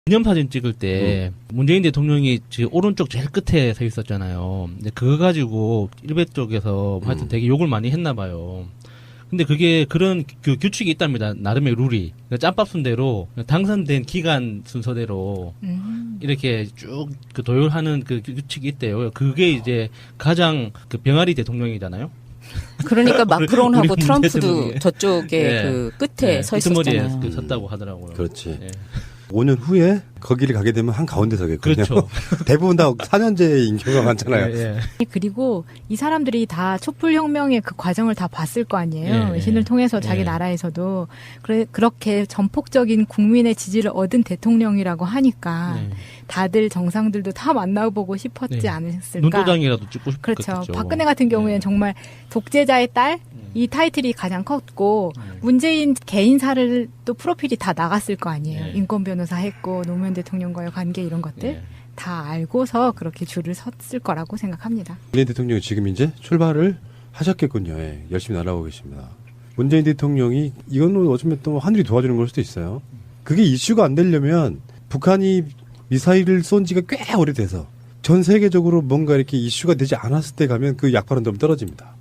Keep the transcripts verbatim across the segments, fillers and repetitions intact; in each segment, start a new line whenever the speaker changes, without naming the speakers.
기념사진 찍을 때 음. 문재인 대통령이 지금 오른쪽 제일 끝에 서 있었잖아요. 근데 그거 가지고 일베 쪽에서 음. 하여튼 되게 욕을 많이 했나 봐요. 근데 그게 그런 그 규칙이 있답니다. 나름의 룰이. 그러니까 짬밥 순대로 당선된 기간 순서대로 음. 이렇게 쭉 그 도열하는 그 규칙이 있대요. 그게 이제 가장 그 병아리 대통령이잖아요.
그러니까 마크론하고 트럼프도 저쪽에
네.
그 끝에
네.
서 있었잖아요.
끝머리에 그 섰다고 하더라고요.
그렇지.
네.
오 년 후에 거기를 가게 되면 한 가운데 서겠군요.
그렇죠.
대부분 다 사 년제인 경우가 많잖아요.
예, 예.
그리고 이 사람들이 다 촛불혁명의 그 과정을 다 봤을 거 아니에요.
예,
외신을 통해서 자기
예.
나라에서도. 그래, 그렇게 전폭적인 국민의 지지를 얻은 대통령이라고 하니까
예.
다들 정상들도 다 만나보고 싶었지
네.
않았을까.
눈도장이라도 찍고 싶겠죠.
그렇죠. 박근혜 같은 경우에는
예.
정말 독재자의 딸? 이 타이틀이 가장 컸고 네. 문재인 개인사를 또 프로필이 다 나갔을 거 아니에요. 네. 인권 변호사 했고 노무현 대통령과의 관계 이런 것들 네. 다 알고서 그렇게 줄을 섰을 거라고 생각합니다.
문재인 대통령이 지금 이제 출발을 하셨겠군요. 예, 열심히 날아오고 계십니다. 문재인 대통령이 이거는 어쩌면 또 하늘이 도와주는 걸 수도 있어요. 그게 이슈가 안 되려면 북한이 미사일을 쏜 지가 꽤 오래돼서 전 세계적으로 뭔가 이렇게 이슈가 되지 않았을 때 가면 그 약발은 좀 떨어집니다.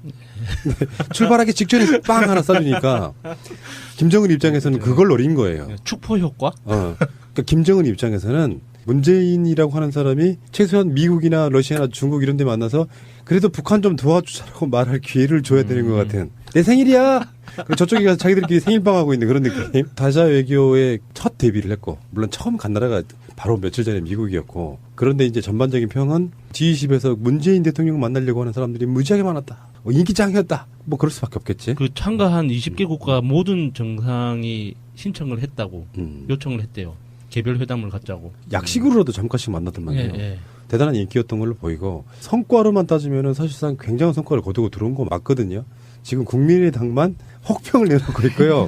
출발하기 직전에 빵 하나 쏴주니까 김정은 입장에서는 그걸 노린 거예요.
축포 효과?
어. 그러니까 김정은 입장에서는 문재인이라고 하는 사람이 최소한 미국이나 러시아나 중국 이런 데 만나서 그래도 북한 좀 도와주자라고 말할 기회를 줘야 되는 것 같은. 내 생일이야! 저쪽에 가서 자기들끼리 생일빵하고 있는 그런 느낌. 다자 외교의 첫 데뷔를 했고, 물론 처음 간 나라가 바로 며칠 전에 미국이었고, 그런데 이제 전반적인 평은 지 이십에서 문재인 대통령 만나려고 하는 사람들이 무지하게 많았다. 뭐 인기짱이었다. 뭐 그럴 수밖에 없겠지.
그 참가한 이십 개 국가 모든 정상이 신청을 했다고
음.
요청을 했대요. 개별 회담을 갖자고.
약식으로라도 잠깐씩 만났단 말이에요.
예, 예.
대단한 인기였던 걸로 보이고 성과로만 따지면은 사실상 굉장한 성과를 거두고 들어온 거 맞거든요. 지금 국민의당만 혹평을 내놓고 있고요.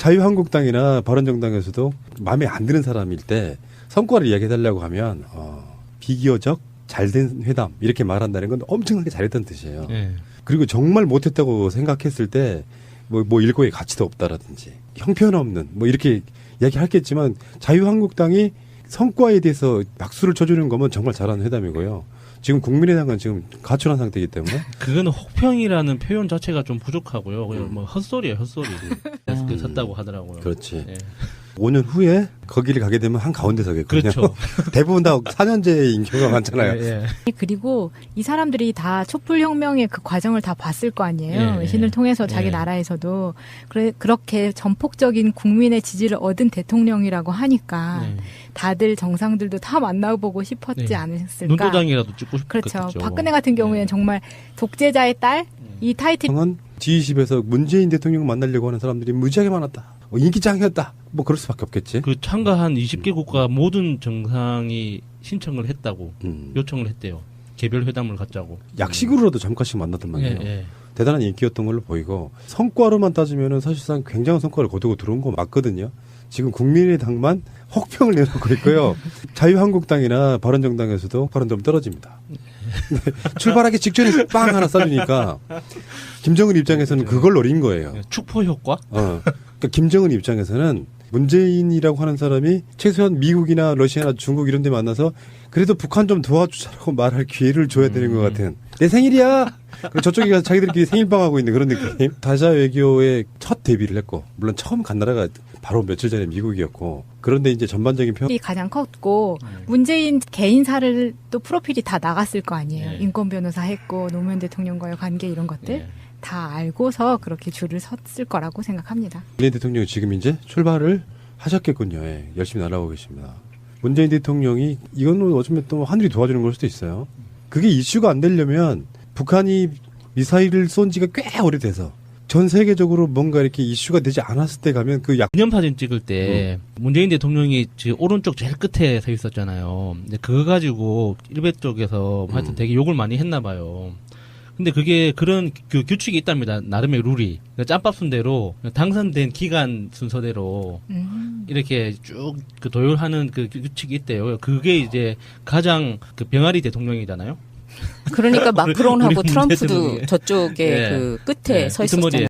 자유한국당이나 바른정당에서도 마음에 안 드는 사람일 때 성과를 이야기해달라고 하면 어, 비기어적 잘된 회담 이렇게 말한다는 건 엄청나게 잘했다는 뜻이에요.
예.
그리고 정말 못했다고 생각했을 때 뭐, 뭐 일고의 가치도 없다라든지 형편없는 뭐 이렇게 이야기하겠지만 자유한국당이 성과에 대해서 박수를 쳐주는 거면 정말 잘하는 회담이고요. 지금 국민의당은 지금 가출한 상태이기 때문에
그거는 혹평이라는 표현 자체가 좀 부족하고요. 그냥
음.
뭐 헛소리예요, 헛소리. 음. 섰다고 하더라고요.
그렇지.
예.
오 년 후에 거기를 가게 되면 한 가운데 서겠군요.
그렇죠.
대부분 다 사 년제인 경우가 많잖아요.
예, 예.
그리고 이 사람들이 다 촛불혁명의 그 과정을 다 봤을 거 아니에요.
예,
외신을 통해서 자기
예.
나라에서도. 그래, 그렇게 전폭적인 국민의 지지를 얻은 대통령이라고 하니까
예.
다들 정상들도 다 만나보고 싶었지
네.
않았을까.
눈도장이라도 찍고 싶겠죠.
그렇죠. 박근혜 같은 경우에는
예.
정말 독재자의 딸? 이 타이틀
은 지 이십에서 문재인 대통령 만나려고 하는 사람들이 무지하게 많았다. 뭐 인기짱이었다. 뭐 그럴 수밖에 없겠지.
그 참가한 이십 개 국가 모든 정상이 신청을 했다고
음.
요청을 했대요. 개별 회담을 갖자고.
약식으로라도 잠깐씩 만났단 말이에요.
예, 예.
대단한 인기였던 걸로 보이고 성과로만 따지면은 사실상 굉장한 성과를 거두고 들어온 거 맞거든요. 지금 국민의당만 혹평을 내놓고 있고요. 자유한국당이나 바른정당에서도 발은 좀 떨어집니다. 출발하기 직전에 빵 하나 쏴주니까 김정은 입장에서는 그걸 노린 거예요.
축포 효과?
어. 그러니까 김정은 입장에서는 문재인이라고 하는 사람이 최소한 미국이나 러시아나 중국 이런 데 만나서 그래도 북한 좀 도와주자라고 말할 기회를 줘야 되는 것 같은. 내 생일이야! 저쪽에 가서 자기들끼리 생일빵하고 있는 그런 느낌. 다자 외교의 첫 데뷔를 했고, 물론 처음 간 나라가 바로 며칠 전에 미국이었고, 그런데 이제 전반적인 평
이 가장 컸고 문재인 개인사를 또 프로필이 다 나갔을 거 아니에요.
네.
인권 변호사 했고 노무현 대통령과의 관계 이런 것들
네.
다 알고서 그렇게 줄을 섰을 거라고 생각합니다.
문재인 대통령이 지금 이제 출발을 하셨겠군요. 예, 열심히 날아오고 계십니다. 문재인 대통령이 이거는 어쩌면 또 하늘이 도와주는 걸 수도 있어요. 그게 이슈가 안 되려면 북한이 미사일을 쏜 지가 꽤 오래돼서 전 세계적으로 뭔가 이렇게 이슈가 되지 않았을 때 가면 그 약.
기념사진 찍을 때 음. 문재인 대통령이 지금 오른쪽 제일 끝에 서 있었잖아요. 근데 그거 가지고 일베 쪽에서 하여튼
음.
되게 욕을 많이 했나 봐요. 근데 그게 그런 그 규칙이 있답니다. 나름의 룰이. 그러니까 짬밥 순대로 당선된 기간 순서대로 음. 이렇게 쭉 그 도열하는 그 규칙이 있대요. 그게 이제 가장 그 병아리 대통령이잖아요.
그러니까 마크론하고
우리
트럼프도
대통령이.
저쪽에
예.
그 끝에
예.
서 있었잖아요.